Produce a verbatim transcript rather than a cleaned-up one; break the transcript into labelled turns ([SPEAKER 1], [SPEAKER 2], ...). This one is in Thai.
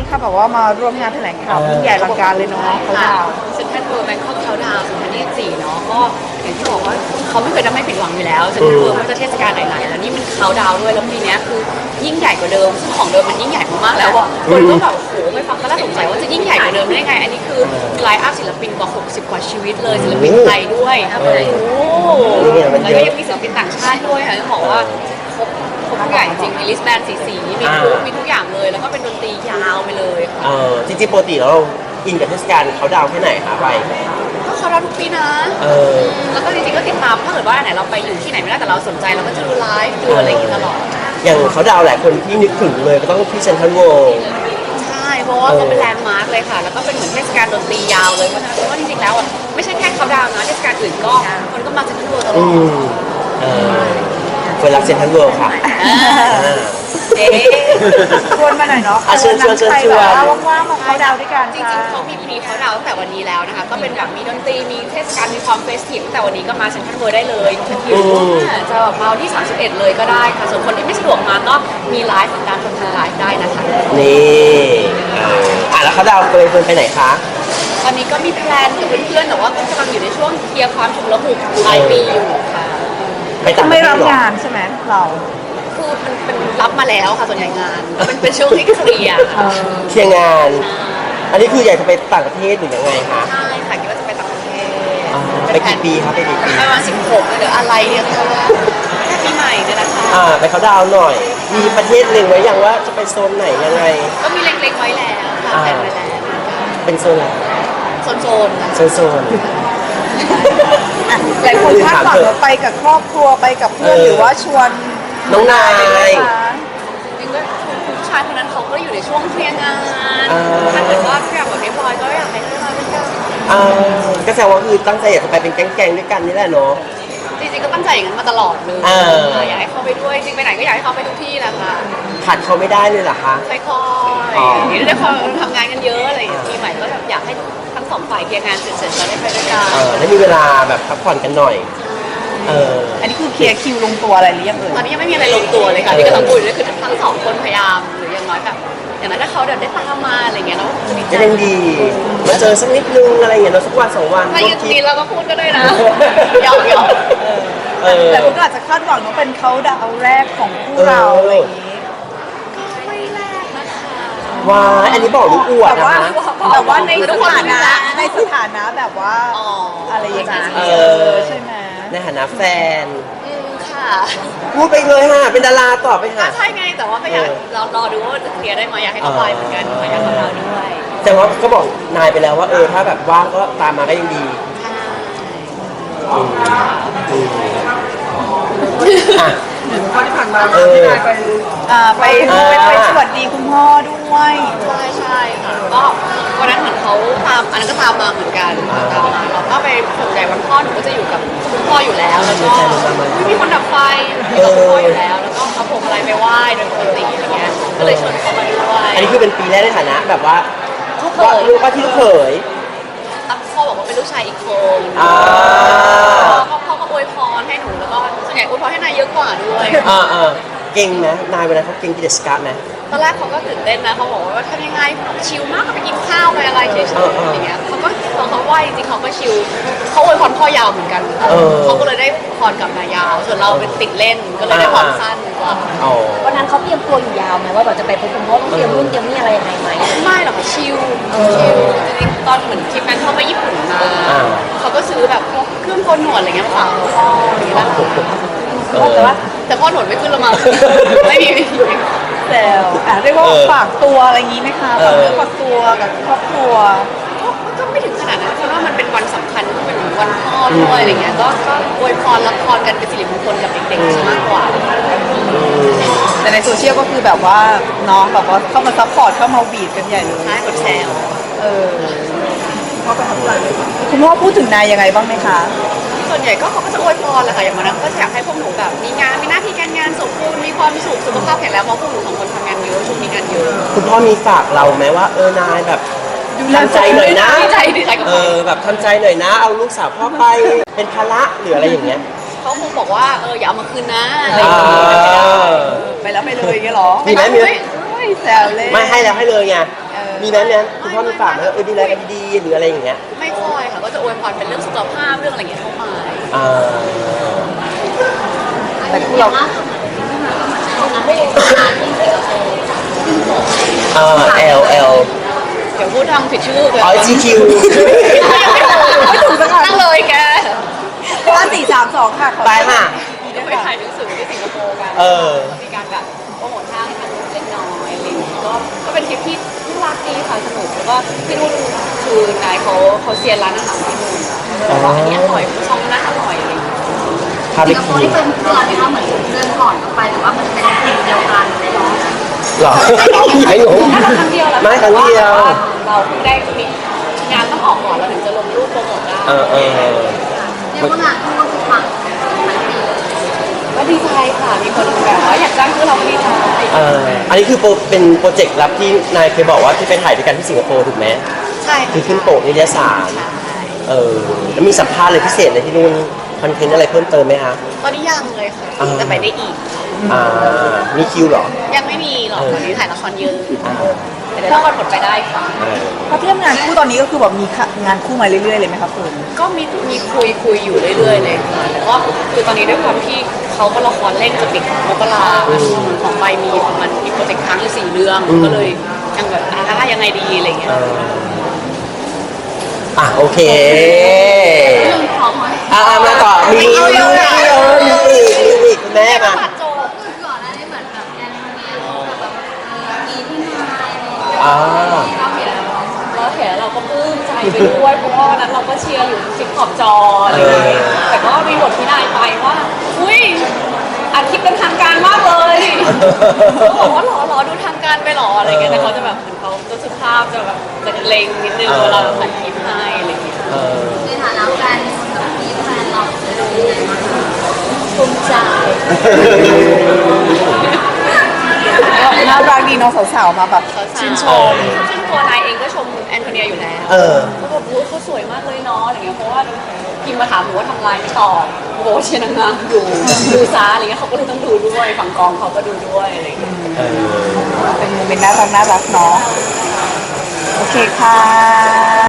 [SPEAKER 1] คะแบบว่ามาร่วมงานแถลงข่าวที่ใหญ่อลังการเลยเนาะเขาดาว
[SPEAKER 2] เซ็นทรัลเวิลด์แบงคอกเขาดาวน์สองพันยี่สิบสี่เนาะก็อย่างที่บอกว่าเขาไม่เคยทำให้ผิดหวังอยู่แล้วเซ็นทรัลเวิลด์ไม่ว่าจะเทศกาลไหนๆแล้วนี่มันเขาดาวน์ด้วยแล้วปีนี้คือยิ่งใหญ่กว่าเดิมซึ่งของเดิมมันยิ่งใหญ่มากๆแล้วอ่ะคนก็แบบโอ้โหไม่ฟังก็น่าสงสัยว่าจะยิ่งใหญ่กว่าเดิมได้ไงอันนี้คือไลฟ์อัพศิลปินกว่าหกสิบกว่าชีวิตเลยศิลปินไทยด้วยโอ้แล้วก็ยังมีศิลปินต่างชาติด้วยค่ะต้องบอกว่าครบครบทุกอย่างจริงมีลิสต์แบนด์สีๆมีทุกมีทุกอย่างเลยแล้วก็เป็นดนตรียาวไปเลยค่ะ
[SPEAKER 3] เออจริงๆปกติแล้วเราอินกับเทศกาลเขาดาวน์แค่ไหนคะไป
[SPEAKER 2] ก็เขาดาวน์ทุกปีนะ
[SPEAKER 3] เออ
[SPEAKER 2] แล้วก็จริงๆก็ติดตามถ้าเกิดว่าไหนเราไปอยู่ที่ไหนไม่ได้แต่เราสนใจเราก็จะดูไลฟ์ดูอะไรอย่างนี้ตลอด
[SPEAKER 3] อย่างเขาดาวน์หลายคนที่นึกถึงเลยก็ต้องที่เซ็นทรัลเวิลด์
[SPEAKER 2] ใช่เพราะว่าก็เป็นแลนด์มาร์คเลยค่ะแล้วก็เป็นเหมือนเทศกาลดนตรียาวเลยเพราะฉะนั้นว่าจริงๆแล้วอ่ะไม่ใช่แค่เขาดาวน์นะเทศกาลอื่นก็คนก็มาเซ็นทรัลเวิลด์ตลอด
[SPEAKER 3] เออเวลาเซ็นทรัลเวิลด์ค่ะ
[SPEAKER 2] เจ๊
[SPEAKER 1] ชวนมาหน่อยเนาะ
[SPEAKER 3] ชวนชวนชวนชวน
[SPEAKER 1] ว่างๆมาเขาดาวด้วยกัน
[SPEAKER 2] จริงๆเขามีพรีเขาดาวตั้งแต่วันนี้แล้วนะคะก็เป็นแบบมีดนตรีมีเทศกาลมีความเฟสทีฟตั้งแต่วันนี้ก็มาเซ็นทรัลเวิลด์ได้เลยหรือว่าจะแบบมาวันที่สามสิบเอ็ดเลยก็ได้ค่ะส่วนคนที่ไม่สะดวกมาก็มีไลฟ์การชมไลฟ์ได้นะคะ
[SPEAKER 3] นี่อ่ะแล้วเขาดาวน์ไปไปไหนคะ
[SPEAKER 2] ตอนนี้ก็มีแพลนกับเพื่อนๆแต่ว่าก็กำลังอยู่ในช่วงเคลียร์ความฉุกละหุกปลายปีอยู่ค่ะ
[SPEAKER 1] ไม่รับงานใช่ไหมเรา
[SPEAKER 2] คือมันเป็นรับมาแล้วค่ะส่วนใหญ่งานเป็นเป็นช่วงที่เคลียร์
[SPEAKER 3] เคลียร์งานอันนี้คืออยากจะไปต่างประเทศหรือยังไงคะ
[SPEAKER 2] ใช่ค่ะคิดว่าจะไปต่างประเทศ
[SPEAKER 3] ไปกี่ปีครับไปกี่ปี
[SPEAKER 2] ประมาณสิบหกหรืออะไรเนี่ยค่ะแค่ปีใหม่เนี่ยนะคะ
[SPEAKER 3] อ่าไปเขาดาวหน่อยมีประเทศหนึ่งไว้อย่างว่าจะไปโซนไหนยังไง
[SPEAKER 2] ก็มีเล็กๆไว้แล้วค่ะแต่ไว้แล้ว
[SPEAKER 3] เป็นโซนอะไร
[SPEAKER 2] โซนโซน
[SPEAKER 3] โซนโซน
[SPEAKER 1] หลายคนคาดหวังว่าไปกับครอบครัวไปกับเพื่อนหรือว่าชวน
[SPEAKER 3] น้องนาย
[SPEAKER 2] จริงๆก็ผู้ชายคนนั้นเขาก็อยู่ในช่วงเคลียร์งานถ้าเกิดว่าทุกอย่างแบบเรียบร้อยก็อยากให้มาด้วยกัน
[SPEAKER 3] ก็แสดงว่าคือตั้งใจอยากจะไปเป็นแก๊งๆด้วยกันนี่แหละเนาะ
[SPEAKER 2] จริงๆก็ตั้งใจอย่างนั้นมาตลอดเลยอยากให้เขาไปด้วยจริงไปไหนก็อยากให้เขาไปทุกที่แหละค่ะ
[SPEAKER 3] ขาดเขาไม่ได้เลยเหรอคะ
[SPEAKER 2] ค่อยๆนี่ด้วยความทำงานกันเยอะอะไรอย่างเงี้ยปีใหม่ก็แบบอยากให้ทั้งสองฝ่ายเคลียร์งานเสร็จๆแล้วได้ไปด้วยกัน
[SPEAKER 3] แล้วมีเวลาแบบพักผ่อนกันหน่อยเออ
[SPEAKER 1] อันนี้คือเคลียร์คิวลงตัวอะไรหรือยังเอ่ย
[SPEAKER 2] ตอนนี้ยังไม่มีอะไรลงตัวเลยค่ะที่กำลังคุยด้วยคือทั้งสองคนพยายามหรืออย่างน้อยแบบอย่างนั้นถ้าเขาเดินได้ตามมาอะไรเงี้ยเราก็จะดีใจ
[SPEAKER 3] ยังดีมาเจอสักนิดนึงอะไรอย่างเงี้ยเราสักวันสองวัน
[SPEAKER 2] ถ้ายืนนี้เราก็พูดก็ได้นะหยอกหยอก
[SPEAKER 1] แต่คุณก็อาจจะคาดหวังว่าเป็นเขาดาวแรกของคู่เราอะไรอย่างนี้
[SPEAKER 2] ก็ไม่แรกนะคะ
[SPEAKER 3] ว้าอันนี้บอกลูกอวดนะ
[SPEAKER 1] แต่ว่าในสถานะในสถานะแบบว่าอะไรอย่างเงี้ยใช่ไหม
[SPEAKER 3] ในฐานะแฟน
[SPEAKER 2] ค่ะ
[SPEAKER 3] พูดไปเลยค่ะเป็นดาราต่อไปค่ะ
[SPEAKER 2] ใช่ไงแต่ว่าก็อยากรอรอดูว่าจะเคลียร์ได้ไหมอยากให้เขาไปเหมือนกันอยากให้เขาด้วย
[SPEAKER 3] แต่ว่าก็บอกนายไปแล้วว่าเออถ้าแบบว่างก็ตามมาก็ยังดี
[SPEAKER 1] ข้อที่ผ่านมาเออไปไปไปสวัสดีคุณพ่อด้วย
[SPEAKER 2] ใช่ใช่ค่ะก็วันนั้นเหมือนเขาตามอันนั้นก็ตามมาเหมือนกันตามมาเราก็ไปส่วนใหญ่วันพ่อหนูก็จะอยู่กับคุณพ่ออยู่แล้วแล้วก็มีคนดับไฟอยู่กับคุณพ่ออยู่แล้วแล้วก็เขาผมอะไรไปไหว้โดยปกติอะไรเงี้ยก็เลยชวนเขามาด้วย
[SPEAKER 3] อันนี้คือเป็นปีแรกในฐานะแบบว่าลูกว่าที่ลูกเขย
[SPEAKER 2] พ่อบอกว่าเป็นลูกชายอีกคนพ่อพ่อก็อวยพรให้หนูแล้วก็ส่วนใหญ่อวยพรให้นายเยอะกว่าด้วย
[SPEAKER 3] อ่าอ่าเก่งนะนายเวลาเขาเก่งกิจสกัดนะ
[SPEAKER 2] ตอนแรกเขาก็ตื่นเต้นนะเขาบอกว่าทำยังไงชิลมากไปกินข้าวไปอะไรเฉยๆอย่างเงี้ยเขาก็ตอนเขาไหวจริงเขาก็ชิลเขาอวยพรพ่อยาวเหมือนกันเขาก็เลยได้พรกับนายยาวส่วนเราเป็นติดเล่นก็เลยได้พรสั้นกว่า
[SPEAKER 4] วันนั้นเขาเตรียมตัวอยู่ยาวไหมว่าแบบจะไปพบคุณพ่อต้องเตรียมรุ่นเตรียมนี่อะไรยังไงไหม
[SPEAKER 2] ไม่หรอกค่ะชิลชิลจริงๆตอนเหมือนทริปนั้นเขาไปญี่ปุ่นมาเขาก็ซื้อแบบเครื่องโกนหนวดอะไรเงี้ยมาฝากพ่ออย่างเงี้ยแต่ว่าแต่พ่อหนวดไม่ขึ้นละมั้งไม่มี
[SPEAKER 1] แต่เรียกว่าฝากตัวอะไรอย่างนี้ไหมคะฝากเนื้อฝากตัวกับครอบครัว
[SPEAKER 2] ก็ไม่ถึงขนาดนั้นเพราะว่ามันเป็นวันสำคัญก็เป็นวันพ่อด้วยอะไรเงี้ยก็ก็อวยพรรับพรกันเป็นสิริมงคลกับเด็กๆมากกว่า
[SPEAKER 1] แต่ในโซเชียลก็คือแบบว่าน้องแบบว่าเข้ามาซัพพอร์ตเข้ามาบีดกันใหญ่เลย
[SPEAKER 2] ใช่กดแชร์
[SPEAKER 1] เออพ่อประทับใจคุณพ่อพูดถึงนายยังไงบ้างไหมคะ
[SPEAKER 2] ส่วนใหญ่ก็เขาก็จะอวยพรแหละค่ะอย่างวันนั้นก็อยากให้พวกหนูแบบมีงานมีหน้าที่การงานสมบูรณ์มีความสุขสุขภาพแข็งแรงเพราะพวกหนูสองคนทำงานเยอะช่วงนี้งานเยอะ
[SPEAKER 3] คุณพ่อมีฝากเราไหมว่าเออนายแบบทำใจหน่อยนะ
[SPEAKER 2] ดีใจดีใจกับ
[SPEAKER 3] เออแบบทำใจหน่อยนะเอาลูกสาวพ่อไปเป็นภาระหรืออะไรอย่างเงี้ย
[SPEAKER 2] เขาคงบอกว่าเอออย่าเอามาคืนนะอะไรอย่างเงี้ย
[SPEAKER 1] ไปแล้วไปเลยอย่างเงี้ยหรอ
[SPEAKER 3] มีไหมมีไหม
[SPEAKER 1] แซวเลย
[SPEAKER 3] ไม่ให้แล้วให้เลยไงมีไหมเนี่ยคุณพ่อมีฝากไหมว่าเออดูแลกันดีๆหรืออะไรอย่างเงี้ย
[SPEAKER 2] ไม่ค่อยค่ะก็จะอวยพรเป็นเรื่องสุขภาพเรื่องอะไรอย่างเงี้ยเข้ามา
[SPEAKER 3] อ่า
[SPEAKER 1] แต่คู่เรา
[SPEAKER 3] อ่า L L
[SPEAKER 2] เดี๋ยวพูดทางผิดชื่อเลย
[SPEAKER 3] อ๋อ G Q
[SPEAKER 1] ไม่ถูกสักครั้ง
[SPEAKER 2] นั่งเลยแก
[SPEAKER 1] ห้าสี่สามสองค่ะขอ
[SPEAKER 3] ไปค่ะ
[SPEAKER 2] เดี๋ยวไปถ่ายหนังสือที่สิงคโปร์กัน
[SPEAKER 3] เออ
[SPEAKER 2] มีการแบบโปรโมทห้างให้มันเล็กน้อยอะไรอย่างเงี้ยก็ก็เป็นทริปที่น่ารักดีค่ะสนุกแล้วก็ที่นู่นคือนายเขาเขาเซียนร้านอาหารที่นู่นแต่ว่าอันนี้อร่อยช่องนั้นอร่อยอะไรอย่างเงี้ย
[SPEAKER 3] พาไป
[SPEAKER 4] สิงคโป
[SPEAKER 3] กิ
[SPEAKER 4] ร์
[SPEAKER 3] น
[SPEAKER 4] ที่เป็นเพื่อนนะคะเหมือนเดินก่อนออกไปแต่ว่ามันเป็นทีมเดียวกันเลยเนาะ
[SPEAKER 3] เหรอไม่งง
[SPEAKER 2] น่าจะครั้งเดียวแหละ
[SPEAKER 3] ไม่ครั้งเดียว
[SPEAKER 2] แต่าเราเพิ่งได้มีงานต้องออกก่อนเราถึงจะลงรูปโปรโมทได้
[SPEAKER 3] เออเออ
[SPEAKER 4] เรียกว่างานคู่ก็คือปังทั้งปีเลย
[SPEAKER 2] ก็ดีใจค่ะมีคนแบบว่าอยากจ้างคือเราก็ดีใจ
[SPEAKER 3] เอออันนี้คือโปรเป็นโปรเจกต์ลับที่นายเคยบอกว่าที่ไปถ่ายด้วยกันที่สิงคโปร์ถูกไหม
[SPEAKER 2] ใช่
[SPEAKER 3] คือขึ้นโปกนิตยสาร
[SPEAKER 2] ใช่
[SPEAKER 3] เออแล้วมีสัมภาษณ์อะไรพิเศษอะไรที่นู่นคอนเทนต์อะไรเพิ่มเติมไหมคะ
[SPEAKER 2] ตอนนี้ยังเลยค่ะ
[SPEAKER 3] อ่า
[SPEAKER 2] จะไปได้อีก
[SPEAKER 3] อ่ามีคิวเหรอ
[SPEAKER 2] ยังไม่มีหรอก
[SPEAKER 3] เออ
[SPEAKER 2] ตอนนี้ถ่ายละครเยอะ
[SPEAKER 3] อ่า
[SPEAKER 2] แต่เดี๋ยวถ้าวันหมดไปได้ค่ะ
[SPEAKER 3] เออ
[SPEAKER 1] พอเทียบงานคู่ตอนนี้ก็คือแบบมีงานคู่มาเรื่อยๆเลยไหมครับคุณ
[SPEAKER 2] ก็มีมีคุยคุยอยู่เรื่อยๆเลยค่ะแต่ก็คือตอนนี้ด้วยความที่เขาก็ละครเร่งจะปิดมกราของใบมีประมาณมีโปรเจกต์ค้างอยู่สี่เรื่อง ก็เลยยังแบบอ่ายังไงดีอะไรเงี้ย
[SPEAKER 3] เอออ่ะโอเคอ่ามาต่อมีมีมีเออมีอีกมีอีกคุณแม่มา
[SPEAKER 2] ปัดโจ
[SPEAKER 4] ก่อนหน้านี้เหมือนแบบแอนโทเนียแบบมีที่นายอะไรอย่างเงี้ย
[SPEAKER 3] อ่า
[SPEAKER 2] เราเห็นเราเห็นเราก็ปลื้มใจไปด้วยเพราะว่าวันนั้นเราก็เชียร์อยู่คลิปขอบจออะไรอย่างเงี้ยแต่ก็มีบทที่นายไปว่าอุ้ยอัดคลิปเป็นทางการมากเลยเขาบอกว่าหรอหรอดูทางการไปหรออะไรเงี้ยแต่เขาจะแบบเหมือนเขาจะสุภาพจะแบบจะเล็งนิดนึงเวลาเราถ่ายคลิปให้อะไรอย่างเงี้ย
[SPEAKER 3] เออ
[SPEAKER 4] ในฐานะแฟนแบบมีแฟนเราจะดูยังไงบ้างคะ
[SPEAKER 2] ภูมิใจ
[SPEAKER 1] น่ารักดีน้องสาวๆมาแบบชื่นชม
[SPEAKER 2] ซึ่งตัวนายเองก็ชมแอนโทเนียอยู่แล้ว
[SPEAKER 3] เออ
[SPEAKER 2] เขาแบบรู้เขาสวยมากเลยเนาะอะไรเงี้ยเพราะว่าพิมพ์มาถามหนูว่าทำลายไม่ตอบโอ้โหเชียร์นางงามอยู่ดูซาอะไรเงี้ยเขาก็เลยต้องดูด้วยฝั่งกองเขาก็ดูด้วยอะไรเงี้ย
[SPEAKER 3] เออ
[SPEAKER 1] เป็นโมเมนต์น่ารักน่ารักเนาะโอเคค่ะ